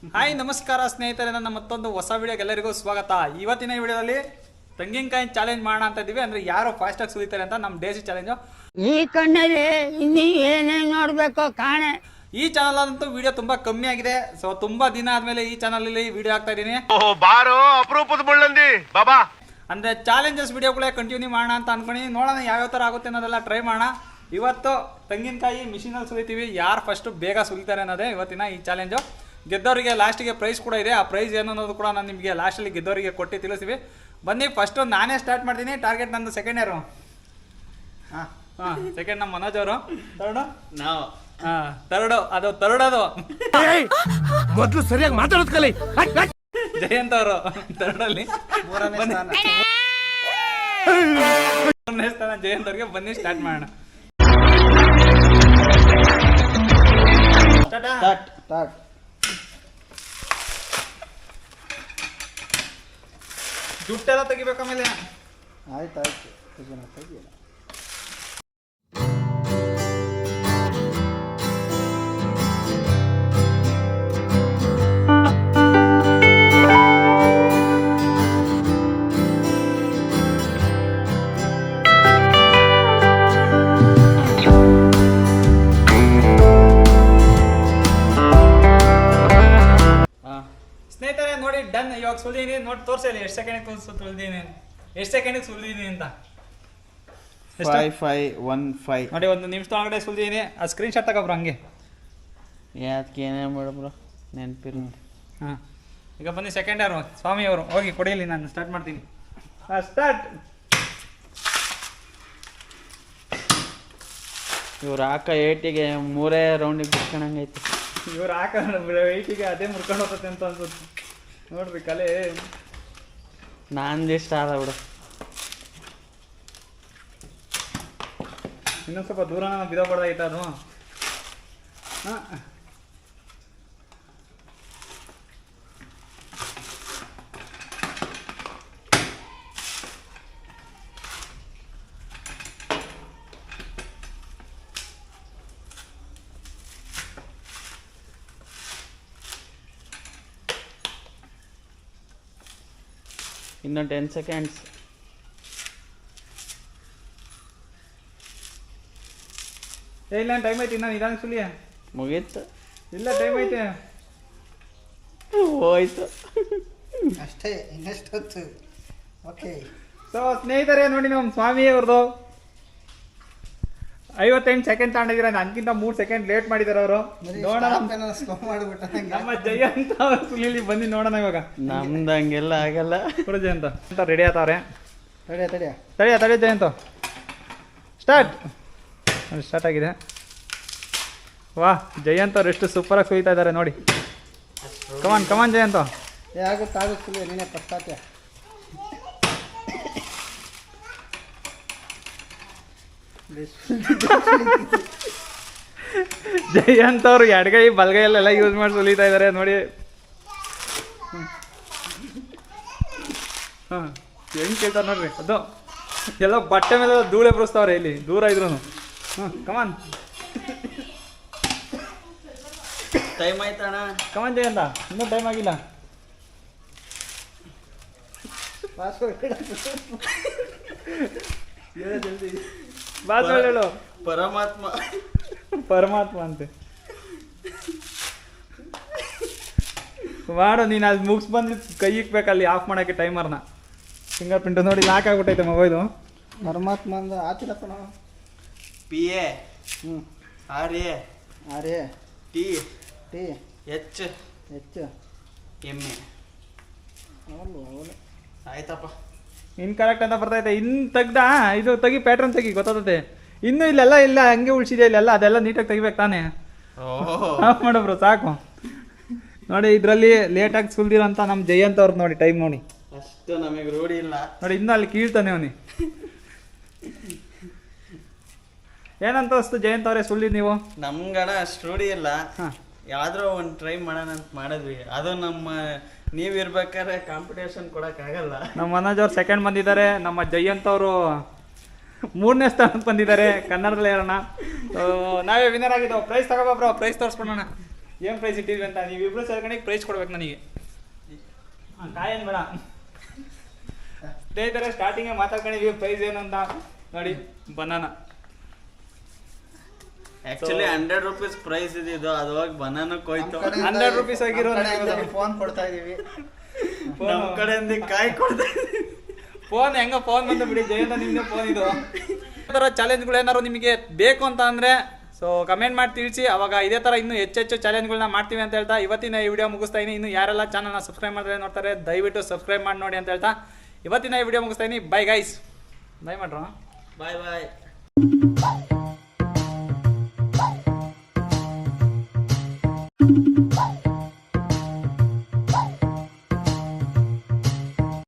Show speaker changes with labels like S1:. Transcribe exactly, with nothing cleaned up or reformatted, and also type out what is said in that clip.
S1: Hi ನಮಸ್ಕಾರ ಸ್ನೇಹಿತರೆ, ನನ್ನ ಮತ್ತೊಂದು ಹೊಸ ವಿಡಿಯೋಗೆ ಎಲ್ಲರಿಗೂ ಸ್ವಾಗತ. ಇವತ್ತಿನ ವಿಡಿಯೋದಲ್ಲಿ ತೆಂಗಿನಕಾಯಿ ಚಾಲೆಂಜ್ ಮಾಡೋಣ ಅಂತ ಇದ್ದೀವಿ. ಅಂದ್ರೆ ಯಾರು ಫಾಸ್ಟ್ ಆಗಿ ಸುಲಿತಾರೆ ಅಂತ ನಮ್ಮ ಡೇಸಿ ಚಾಲೆಂಜು.
S2: ಈ ಕಣ್ಣಲ್ಲಿ ಇನ್ನೂ ಏನೇನು ನೋಡ್ಬೇಕೋ ಕಾಣೆ.
S1: ಈ ಚಾನಲ್ ಅಂತೂ ವಿಡಿಯೋ ತುಂಬಾ ಕಮ್ಮಿ ಆಗಿದೆ. ಸೊ ತುಂಬಾ ದಿನ ಆದ್ಮೇಲೆ ಈ ಚಾನಲ್ ಅಲ್ಲಿ ವಿಡಿಯೋ ಹಾಕ್ತಾ ಇದೀನಿ.
S3: ಬಾರೋ ಅಪರೂಪದ ಮುಳ್ಳಂದಿ ಬಾಬಾ.
S1: ಅಂದ್ರೆ ಚಾಲೆಂಜಸ್ ವಿಡಿಯೋಗಳೇ ಕಂಟಿನ್ಯೂ ಮಾಡೋಣ ಅಂತ ಅನ್ಕೊಂಡು ನೋಡೋಣ ಯಾವ್ಯಾವ ತರ ಆಗುತ್ತೆ ಅನ್ನೋದೆಲ್ಲ ಟ್ರೈ ಮಾಡೋಣ. ಇವತ್ತು ತೆಂಗಿನಕಾಯಿ ಮಿಷಿನಲ್ಲಿ ಸುಲಿತೀವಿ. ಯಾರು ಫಸ್ಟ್ ಬೇಗ ಸುಲಿತಾರೆ ಅನ್ನೋದೇ ಇವತ್ತಿನ ಈ ಚಾಲೆಂಜು. ಗೆದ್ದವರಿಗೆ ಲಾಸ್ಟಿಗೆ ಪ್ರೈಸ್ ಕೂಡ ಇದೆ. ಆ ಪ್ರೈಸ್ ಏನು ಅನ್ನೋದು ಕೂಡ ನಾನು ನಿಮಗೆ ಲಾಸ್ಟಲ್ಲಿ ಗೆದ್ದವರಿಗೆ ಕೊಟ್ಟು ತಿಳಿಸ್ತೀವಿ. ಬನ್ನಿ, ಫಸ್ಟು ನಾನೇ ಸ್ಟಾರ್ಟ್ ಮಾಡ್ತೀನಿ. ಟಾರ್ಗೆಟ್ ನಂದು ಸೆಕೆಂಡ್ ಇಯರು. ಹಾಂ ಹಾಂ ಸೆಕೆಂಡ್ ನಮ್ಮ ಮನೋಜ್ ಅವರು. ತರ್ಡು ನಾವು ಹಾಂ ತರ್ಡು ಅದು ತರ್ಡದು
S3: ಮೊದಲು ಸರಿಯಾಗಿ ಮಾತಾಡೋದು ಕಲಿ.
S1: ಜಯಂತ್ ಅವರು ತರ್ಡಲ್ಲಿ. ಮೂರನೇ ಸ್ಥಾನ ಜಯಂತ್ ಅವ್ರಿಗೆ. ಬನ್ನಿ ಸ್ಟಾರ್ಟ್ ಮಾಡೋಣ.
S2: Start start.
S1: ದುಡ್ಡೆಲ್ಲ ತೆಗಿಬೇಕು ಆಮೇಲೆ.
S2: ಆಯ್ತು ಆಯ್ತು ತೆಗಿಯೋಣ.
S1: ಸ್ನೇಹಿತರೆ ನೋಡಿ, ಡನ್. ಇವಾಗ ಸುಲಿದೀನಿ ನೋಡಿ, ತೋರಿಸಿ ಎಷ್ಟು ಸೆಕೆಂಡ್ ಸುಲಿದೀನಿ, ಎಷ್ಟು ಸೆಕೆಂಡಿಗೆ ಸುಲಿದೀನಿ ಅಂತ.
S4: ಫೈವ್ ಫೈವ್ ಒನ್ ಫೈವ್
S1: ನೋಡಿ, ಒಂದು ನಿಮಿಷದೊಳಗಡೆ ಸುಲಿದೀನಿ. ಆ ಸ್ಕ್ರೀನ್ ಶಾಟ್ ತಗೊಬ್ರು ಹಂಗೆ.
S4: ಯಾಕೆ ಏನೇ ಮಾಡಬ್ರು ನೆನಪಿರ.
S1: ಹಾಂ ಈಗ ಬನ್ನಿ ಸೆಕೆಂಡ್ ಯಾರು ಸ್ವಾಮಿ ಅವರು. ಹೋಗಿ ಕೊಡಿಯಲ್ಲಿ, ನಾನು ಸ್ಟಾರ್ಟ್ ಮಾಡ್ತೀನಿ. ಹಾಂ ಸ್ಟಾರ್ಟ್.
S4: ಇವ್ರು ಹಾಕ ಏಟಿಗೆ ಮೂರೇ ರೌಂಡಿಗೆ ಬಿಟ್ಕೊಂಡಂಗೈತೆ.
S1: ಇವ್ರು ಹಾಕ ವೆಯ್ಟಿಗೆ ಅದೇ ಮುರ್ಕೊಂಡು ಹೋಗುತ್ತೆ ಅಂತ ಅನ್ಸುತ್ತೆ. ನೋಡ್ರಿ ಕಲೆ
S4: ನಂದು ಇಷ್ಟ ಆದ ಬಿಡು.
S1: ಇನ್ನೊಂದು ಸ್ವಲ್ಪ ದೂರ ಬಿದೋಗ್ಬಾರ್ದಾಗಿತ್ತು ಅದು. ಹಾಂ
S4: ಇನ್ನೊಂದು ಟೆನ್ ಸೆಕೆಂಡ್ಸ್.
S1: ಏ ಇಲ್ಲ, ಟೈಮ್ ಐತಿ. ನಾನು ನಿಧಾನ ಸುಲಿಯ.
S4: ಮುಗೀತು.
S1: ಇಲ್ಲ, ಟೈಮ್ ಐತೆ.
S4: ಹೋಯ್ತು
S2: ಅಷ್ಟೇ, ಇನ್ನೆಷ್ಟೊತ್ತು. ಓಕೆ.
S1: ಸೊ ಸ್ನೇಹಿತರೆ ನೋಡಿ, ನಮ್ಮ ಸ್ವಾಮಿ ಅವ್ರದ್ದು ಐವತ್ತೆಂಟು ಸೆಕೆಂಡ್ ತಗೊಂಡಿದ್ದೀರ. ನನಗಿಂತ ಮೂರು ಸೆಕೆಂಡ್ ಲೇಟ್ ಮಾಡಿದಾರೆ ಅವರು. ನೋಡೋಣ
S2: ಸ್ಲೋ ಮಾಡಿಬಿಟ್ಟ.
S1: ನಮ್ಮ ಜಯಂತ ಅವ್ರ ಸುಲಿಲಿ. ಬನ್ನಿ ನೋಡೋಣ ಇವಾಗ.
S4: ನಮ್ದು ಹಂಗೆಲ್ಲ ಆಗಲ್ಲ.
S1: ಕೊಡು ಜಯಂತ ಅಂತ ರೆಡಿ ಆತವ್ರೆ.
S2: ತಡಿಯ ತಡಿಯ
S1: ತಡಿಯ ತಡಿಯ ಜಯಂತ. ಸ್ಟಾರ್ಟ್. ಸ್ಟಾರ್ಟ್ ಆಗಿದೆ. ವಾಹ್, ಜಯಂತ್ ಅವ್ರು ಎಷ್ಟು ಸೂಪರಾಗಿ ಸುಲಿತಾ ಇದ್ದಾರೆ ನೋಡಿ. ಕಮಾನ್ ಕಮಾನ್ ಜಯಂತ.
S2: ಏ ಆಗುತ್ತೆ ಆಗುತ್ತೆ. ನೀನೇ ಫಸ್ಟ್ ಹಾಕ್ಯ.
S1: ಜಯಂತ್ ಅವರು ಎಡಗೈ ಬಲಗೈಯಲ್ಲೆಲ್ಲ ಯೂಸ್ ಮಾಡಿ ಸುಲಿತಾ ಇದ್ದಾರೆ ನೋಡಿ. ಹಾಂ ಹೆಂಗೆ ಕೇಳ್ತಾರೆ ನೋಡ್ರಿ. ಅದು ಎಲ್ಲ ಬಟ್ಟೆ ಮೇಲೆ ಧೂಳೆ ಬರೆಸ್ತಾವ್ರೆ ಇಲ್ಲಿ ದೂರ ಇದ್ರು. ಹಾಂ ಕಮಾನ್
S4: ಟೈಮ್ ಆಯ್ತಣ್ಣ.
S1: ಕಮಾನ್ ಜಯಂತ, ಇನ್ನೂ ಟೈಮ್ ಆಗಿಲ್ಲ. ಬಾಸ್ ಹೇಳು.
S4: ಪರಮಾತ್ಮ
S1: ಪರಮಾತ್ಮ ಅಂತೆ ಮಾಡು ನೀನು. ಅದು ಮುಗಿಸ್ ಬಂದು ಕೈ ಇಕ್ಬೇಕಲ್ಲಿ ಆಫ್ ಮಾಡೋಕ್ಕೆ ಟೈಮರ್ನ. ಫಿಂಗರ್ ಪ್ರಿಂಟ್ ನೋಡಿ ಲಾಕ್ ಆಗ್ಬಿಟ್ಟೈತೆ ಮೊಬೈಲು.
S2: ಪರಮಾತ್ಮ ಅಂದ ಆತಿರಪ್ಪ ನಾವು.
S4: ಪಿ ಎ
S2: ಹ್ಞೂ
S4: R A
S2: R A
S4: T
S2: T
S4: H
S2: ಹೆಚ್ಚು
S4: ಎಮ್ ಎ.
S2: ಅವಳು ಅವಳು
S4: ಆಯ್ತಪ್ಪ.
S1: ಇನ್ಕರೆಕ್ಟ್ ಅಂತ ಬರ್ತೈತೆ. ಇನ್ನು ತೆಗ್ದ ಇದು ತೆಗಿ, ಪ್ಯಾಟ್ರನ್ ತೆಗಿ, ಗೊತ್ತಾಗುತ್ತೆ. ಇನ್ನೂ ಇಲ್ಲೆಲ್ಲ ಇಲ್ಲ ಹಂಗೆ ಉಳಿಸಿದೆ ಇಲ್ಲೆಲ್ಲ. ಅದೆಲ್ಲ ನೀಟಾಗಿ ತೆಗಿಬೇಕು ತಾನೇ. ಆಫ್ ಮಾಡೋಬ್ರು ಸಾಕು. ನೋಡಿ ಇದರಲ್ಲಿ ಲೇಟಾಗಿ ಸುಲ್ದಿರೋಂಥ ನಮ್ಮ ಜಯಂತ್ ಅವ್ರದ್ದು ನೋಡಿ ಟೈಮ್ ನೋಡಿ.
S4: ಅಷ್ಟು ನಮಗೆ ರೂಢಿ ಇಲ್ಲ
S1: ನೋಡಿ. ಇನ್ನೂ ಅಲ್ಲಿ ಕೀಳ್ತಾನೆ ಅವನಿ. ಏನಂತ ಅಷ್ಟು ಜಯಂತ್ ಅವರೇ ಸುಳ್ಳಿದ್ ನೀವು?
S4: ನಮ್ಗಣ ಅಷ್ಟು ರೂಢಿ ಇಲ್ಲ.
S1: ಹಾಂ
S4: ಯಾವ್ದಾರ ಒಂದು ಟ್ರೈ ಮಾಡೋಣ ಅಂತ ಮಾಡಿದ್ವಿ. ಅದು ನಮ್ಮ ನೀವು ಇರ್ಬೇಕಾದ್ರೆ ಕಾಂಪಿಟೇಷನ್ ಕೊಡೋಕ್ಕಾಗಲ್ಲ.
S1: ನಮ್ಮ ಮನೋಜ್ ಅವ್ರು ಸೆಕೆಂಡ್ ಬಂದಿದ್ದಾರೆ. ನಮ್ಮ ಜಯಂತ್ ಅವರು ಮೂರನೇ ಸ್ಥಾನಕ್ಕೆ ಬಂದಿದ್ದಾರೆ ಕನ್ನಡದಲ್ಲಿ ಹೇಳೋಣ. ನಾವೇ ವಿನ್ನರ್ ಆಗಿದ್ದೆವು. ಪ್ರೈಸ್ ತಗೋಬ್ರೋ, ಪ್ರೈಸ್ ತೋರಿಸ್ಕೊಳೋಣ. ಏನು ಪ್ರೈಸ್ ಇಟ್ಟಿದ್ವಿ ಅಂತ ನೀವಿಬ್ರು ಸೇರ್ಕೊಂಡು ಪ್ರೈಸ್ ಕೊಡ್ಬೇಕು ನನಗೆ. ಹಾಂ ಕಾಯನ್ ಬೇಡ ಸ್ನೇಹಿತರೆ, ಸ್ಟಾರ್ಟಿಂಗೇ ಮಾತಾಡ್ಕೊಂಡಿದ್ವಿ ಪ್ರೈಸ್ ಏನು ಅಂತ ನೋಡಿ. Banana
S4: actually hundred rupees prize ಇದ್ದಿದ್ದು ಅದು ಹೋಗಿ ಬನಾನಕ್ಕೆ ಹೋಯ್ತು.
S1: ಹಂಡ್ರೆಡ್ ರುಪೀಸ್ ಆಗಿರೋ
S5: ಫೋನ್ ಕೊಡ್ತಾ ಇದೀವಿ.
S4: ನಮ್ಮ ಕಡೆಯಿಂದ ಕಾಯಿ ಕೊಡ್ತಾ ಇದೀವಿ.
S1: ಫೋನ್ ಹೆಂಗ ಫೋನ್ ಬಂದು ಬಿಡಿ ಜಯಂತ, ನಿಮ್ದೇ ಫೋನ್ ಇದು. ಈ ಥರ ಚಾಲೆಂಜ್ಗಳು ಏನಾದ್ರು ನಿಮಗೆ ಬೇಕು ಅಂತ ಅಂದರೆ ಸೊ ಕಮೆಂಟ್ ಮಾಡಿ ತಿಳಿಸಿ. ಅವಾಗ ಇದೇ ಥರ ಇನ್ನೂ ಹೆಚ್ಚೆಚ್ಚು ಚಾಲೆಂಜ್ಗಳನ್ನ ಮಾಡ್ತೀವಿ ಅಂತ ಹೇಳ್ತಾ ಇವತ್ತಿನ ಈ ವಿಡಿಯೋ ಮುಗಿಸ್ತಾ ಇದ್ದೀನಿ. ಇನ್ನು ಯಾರೆಲ್ಲ ಚಾನಲ್ನ ಸಬ್ಸ್ಕ್ರೈಬ್ ಮಾಡಿದ್ರೆ ನೋಡ್ತಾರೆ ದಯವಿಟ್ಟು ಸಬ್ಸ್ಕ್ರೈಬ್ ಮಾಡಿ ನೋಡಿ ಅಂತ ಹೇಳ್ತಾ ಇವತ್ತಿನ ಈ ವಿಡಿಯೋ ಮುಗಿಸ್ತಾ ಇದ್ದೀನಿ. ಬೈ ಗೈಸ್, ಬೈ ಮಾಡ್ರೋ.
S4: Bye bye.
S2: Thank you.